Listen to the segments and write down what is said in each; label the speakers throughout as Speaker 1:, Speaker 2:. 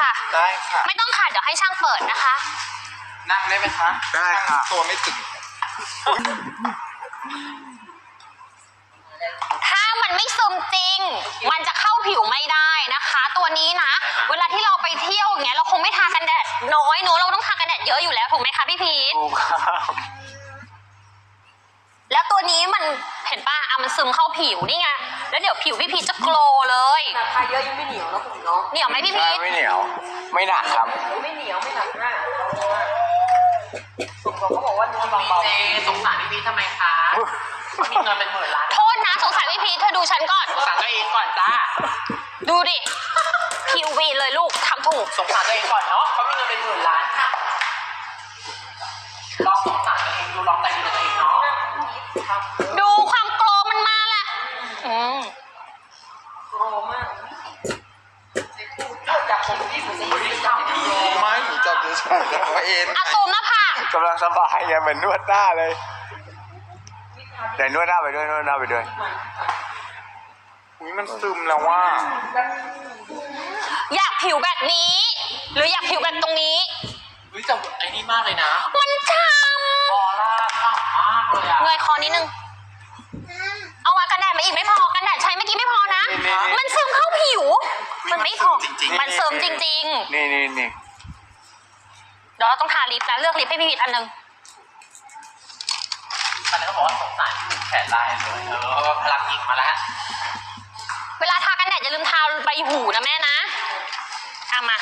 Speaker 1: ค่ะ
Speaker 2: ได้ค่ะ
Speaker 1: ไม่ต้องค่ะเดี๋ยวให้ช่างเปิดนะคะ
Speaker 2: นั่งได้ไหมคะได้ค่ะตัวไม่ถึง
Speaker 1: ถ้ามันไม่ซึมจริงมันจะเข้าผิวไม่ได้นะคะ ตัวนี้นะเวลาที่เราไปเที่ยวอย่างเงี้ยเราคงไม่ทากันแดดน้อยเนอะเราต้องทากันแดดเยอะอยู่แล้วถูกไหมคะพี่พีท
Speaker 2: ถูกครับ
Speaker 1: แล้วตัวนี้มันเห็นป่ะมันซึมเข้าผิวนี่ไงแล้วเดี๋ยวผิวพี่พีทจะโกลว์เลย
Speaker 3: ทาเยอะยังไม่เหนียวนะผมเนาะ
Speaker 1: เหนียวไหมพี่พีท
Speaker 2: ไม่เหนียวไม่หนักครับ
Speaker 3: ไม่เหนียวไม่หนักมากผมเขาบอกว่าเนื้อเบาๆ
Speaker 4: สงสารพี่พีททำไมคะมีเงินเป็น10,000 ล้าน
Speaker 1: โทษนะสงสารพี่พีทเธอดูฉันก่อน
Speaker 4: สงสารตัวเองก่อนจ้า
Speaker 1: ดูดิคิววีเลยลูกทำถูก
Speaker 4: สงสารตัวเองก่อนเนาะเขามีเงินเป็น10,000 ล้านค่ะลองสงสารตัวเองดูลองใจดีกับตัวเองเนาะ
Speaker 1: ดูความโกลว์มันมาแหละ
Speaker 3: โกรมากจากผมที่ผมจะยืนทำ
Speaker 2: ไม่หนูจับเฉยๆแต่ว่าเอ็น
Speaker 1: อะซูมหน้าผาก
Speaker 2: กำลังสบายไงเหมือนนวดหน้าเลยเดี๋ยวนวดหน้าไปด้วยนวดหน้าไปด้วยอุ้ยมันซึมแล้วว่า
Speaker 1: อยากผิวแบบนี้ หรืออยากผิวแบบตรงนี้
Speaker 4: วิแต่ไอ้นี่มากเลยนะ
Speaker 1: มันช้
Speaker 4: ออร่าข้างมากเลยอะ
Speaker 1: ำเงยคอนิดนึงเอามากันแดดมาอีกไม่พอกันแดดใช้เมื่อกี้ไม่พอนะมันซึมเข้าผิว มันไม่พอมันซึมจริงๆ
Speaker 2: นี่
Speaker 1: เดี๋ยวเราต้องทาลิปนะเลือกลิปให้พี่พีทอันนึง
Speaker 4: ตอนนี้เขาบอกว่าสงสารแขนลายเลยพลังหญิงมาแล้ว
Speaker 1: เวลาทากันแดดอย่าลืมทาใบหูนะแม่นะเอามา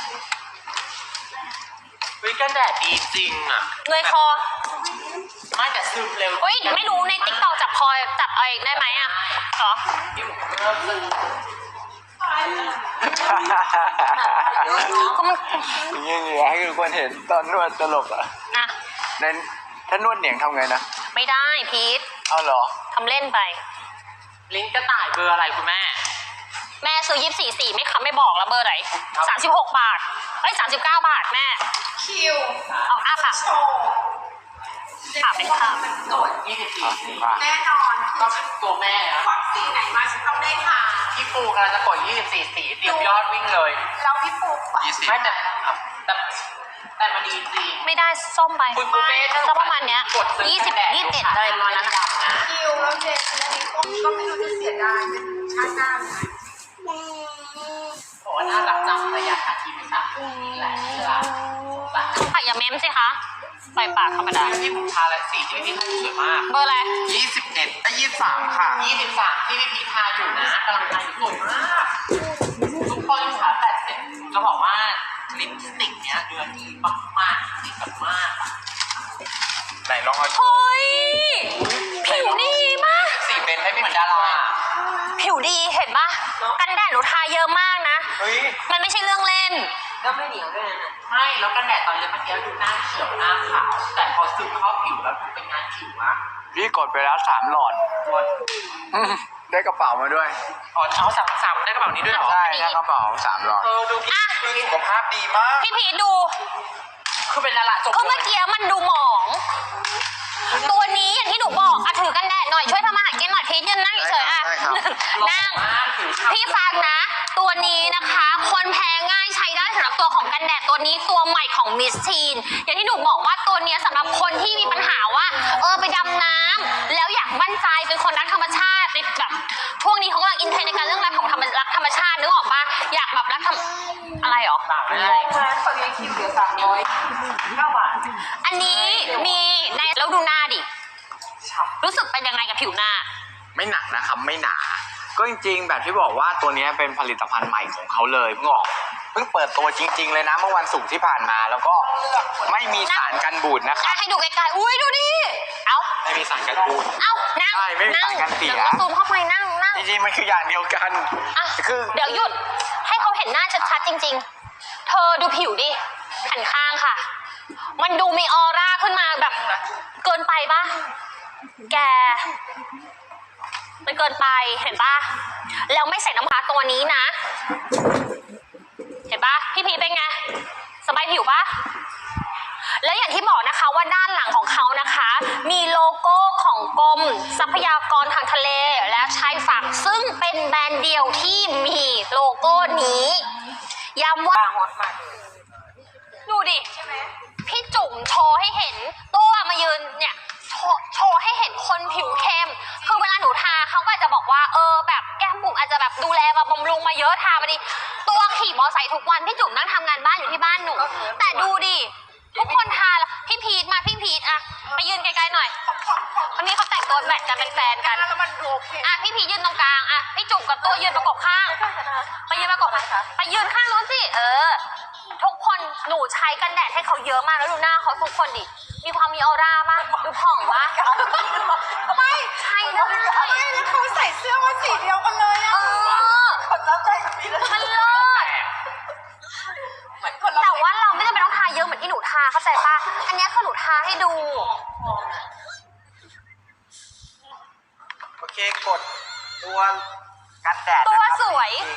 Speaker 4: วิกันแดดดีจริงอะ
Speaker 1: เงยคอ
Speaker 4: ไม่แต่ซึมเร็ว
Speaker 1: เฮ้ยไม่รู้ในติ๊กต็อกจับคอจับอะไรได้ไหมอ่ะเหรอ
Speaker 4: ที่ผมเริ่มซึม
Speaker 1: ก็มัน
Speaker 2: อย่างเงี้ยให้ทุกคนเห็นตอนนวดตลกอ่ะ
Speaker 1: นะ
Speaker 2: ในถ้านวดเหนียงทำไงนะ
Speaker 1: ไม่ได้พีท
Speaker 2: เอาเหรอ
Speaker 1: ทำเล่นไป
Speaker 4: ลิงก์กระต่ายเบอร์อะไรคุณแม่
Speaker 1: แม่ซื้อ24ไม่ไม่บอกแล้วเบอร์ไหน36 บาทเอ้ย39 บาทแม่
Speaker 3: คิว
Speaker 1: เอาอ้าปาก
Speaker 3: โชว์
Speaker 1: ปากเป็นข้าว
Speaker 3: ตรวจ
Speaker 4: 24
Speaker 3: แน่นอน
Speaker 4: ก็เป็นตัวแม่อะ
Speaker 3: วัคซีนไหนมาฉันต้องได้ทาน
Speaker 4: พี่ปูกำลังจะกด24 สีเตรียมยอดวิ่งเลย
Speaker 3: แล้วพี่ปุ๊ก
Speaker 4: ไม่แต่มันดีจริง
Speaker 1: ไม่ได้ส้มไป
Speaker 4: คุณปูเป้
Speaker 1: สักประมาณเนี้ย20 21อะไรประมาณนั้นนะ
Speaker 3: คิวแล้วเจนอันนี้ก็ไม่รู้จะเสียดายเป็นชาติหน้าไหม
Speaker 4: บอกว่าน่ารักจังระยะอาทิตย์ไม่สามนี่แหละเชื่อปะ
Speaker 1: ปากอย่าเม้มสิคะใส่ปากธรรมดา
Speaker 4: ที่ผมทาและสีที่พี่พีทสวยมาก
Speaker 1: เบอร์อะไร
Speaker 2: 23ค่ะ
Speaker 4: 23ที่พี่พีททาอยู่นะกำลังทาอยู่สวยมากทุกคนขา80จะบอกว่าลิปสติกเนี้ยเดือนดีมากๆดีแบบมาก
Speaker 2: ไหนลองเอา
Speaker 1: เฮ้ยผิวดีมาก
Speaker 4: สีเป็นให้ไม่เหมือนดารา
Speaker 1: ผิวดีเห็นปะกันแดดหนูทาเยอะมากนะ
Speaker 2: เฮ้ย
Speaker 1: มันไม่ใช่เรื่องเล่น
Speaker 3: ก็ไม่เหนียวด้วยนะ
Speaker 4: ไม่แล้วกันแดดตอนเล็บเมื่อกี้ดูหน้าเขียวหน้าขาวแต่พอซึมเข้าผิวแล้วดูเป็นงานผิวอะ
Speaker 2: พี่กดไปแล้ว3 หลอด ได้กระเป๋ามาด้วย
Speaker 4: อ๋อเอาสามได้กระเป๋านี้ด้วยเหรอ
Speaker 2: ใช่ได้กระเป๋า3 หลอด
Speaker 4: ดูพี่
Speaker 2: สุขภาพดีมาก
Speaker 1: พี่พีทดู
Speaker 4: คือเป็นดาราจบ
Speaker 1: คือเมื่อกี้มันดูหมอง ตัวนี้อย่างที่หนูบอกอะถือกันแดดหน่อยช่วยทำอาหารกินหน่อยพีทยืนนั่งเฉยๆอะ
Speaker 2: ได้ครับ
Speaker 1: นั่ง พี่ฟังนะ ตัวนี้นะคะ คนแพ้ง่ายใช้ได้สำหรับตัวของกันแดดตัวนี้ตัวใหม่ของมิสทีนอย่างที่หนูบอกว่าตัวนี้สำหรับคนที่มีปัญหาว่าไปดำน้ำแล้วอยากมั่นใจเป็นคนรักธรรมชาติแบบช่วงนี้เขากำลังอินเทรนด์ในการเรื่องรักของรักธรรมชาตินึกออกปะอยากแบบรักอะไรหรอ
Speaker 4: ปากไม่ได้
Speaker 3: ร้านเขาเลี้ยงคิวเหลือ309 บาท
Speaker 1: อันนี้มีในแล้วดูหน้าดิรู้สึกเป็นยังไงกับผิวหน้า
Speaker 2: ไม่หนักนะครับไม่หนา ก็จริงๆ แบบที่บอกว่าตัวนี้เป็นผลิตภัณฑ์ใหม่ของเขาเลยเพิ่งเปิดตัวจริงๆเลยนะเมื่อวันศุกร์ที่ผ่านมาแล้วก็ไม่มีสารกันบูดนะครับ
Speaker 1: ให้ดูไกลๆอุ้ยดูดิเอ้า
Speaker 2: ไม่มีสารกันบูด
Speaker 1: เอ้านั่ง
Speaker 2: ใช่ไม่มีสารกันเสีย
Speaker 1: ดี๋วซูมเข้าไปนั่ง
Speaker 2: จริงๆมันคืออย่างเดียวกัน
Speaker 1: อ่ะ
Speaker 2: คือ
Speaker 1: เดี๋ยวหยุดให้เขาเห็นหน้าชัดๆจริงๆ เธอดูผิวดิหันข้างค่ะ มันดูมีออร่าขึ้นมาแบบเกินไปปะแกมันเกินไปเห็นปะแล้วไม่ใส่น้ำปลาตัวนี้นะ เห็นปะพี่พีเป็นไงสบายผิวปะแล้วอย่างที่บอกนะคะว่าด้านหลังของเขานะคะ มีโลโก้ของกรมทรัพยากรทางทะเลและชายฝั่งซึ่งเป็นแบรนด์เดียวที่มีโลโก้นี้ย้ำว่า
Speaker 3: ฮอตมากเลย
Speaker 1: ดูดิ
Speaker 3: ใช่ไหม
Speaker 1: พี่จุ๋มโชว์ให้เห็นตัวมายืนเนี่ยโชว์ให้เห็นคนผิวเข้ม คือเวลาหนูทาเขาก็อาจจะบอกว่าแบบแก้มบุ๋มอาจจะแบบดูแลมาบำรุงมาเยอะทามาดีตัวขี่มอไซค์ทุกวันพี่จุ๋มนั่งทำงานบ้านอยู่ที่บ้านหนู แต่ดูดิทุกคนทาแล้วพี่พีทมาพี่พีทอะไปยืนไกลๆหน่อยวันนี้เขาแต่งตัวแมทกันเป็นแฟนกัน
Speaker 3: แล้วมันดูโอเค
Speaker 1: อะพี่พีทยืนตรงกลางอะพี่จุ๋มกับตัวยืนประกบข้าง ไปยืนประกบไปยืนข้างนู้นสิทุกคนหนูใช้กันแดดให้เขาเยอะมากแล้วดูหน้าเขาทุกคนดิมีความมีออร่ามากดูผ่องปะ
Speaker 3: ไม่
Speaker 1: ใช่ได้
Speaker 3: ไม่แล้วเขาใส่เสื้อมาสีเดียวกันเลยอะคนรับใจกับพี่เลย
Speaker 1: มันเลิศ
Speaker 3: เหมือนคนรับ
Speaker 1: แต่ว่าเราไม่จำเป็นต้องทาเยอะเหมือนที่หนูทาเข้าใจปะอันนี้คือหนูทาให้ดู
Speaker 2: โอเคกดตัวกันแดด
Speaker 1: ตัว
Speaker 2: นะครับ
Speaker 1: สวย
Speaker 2: จ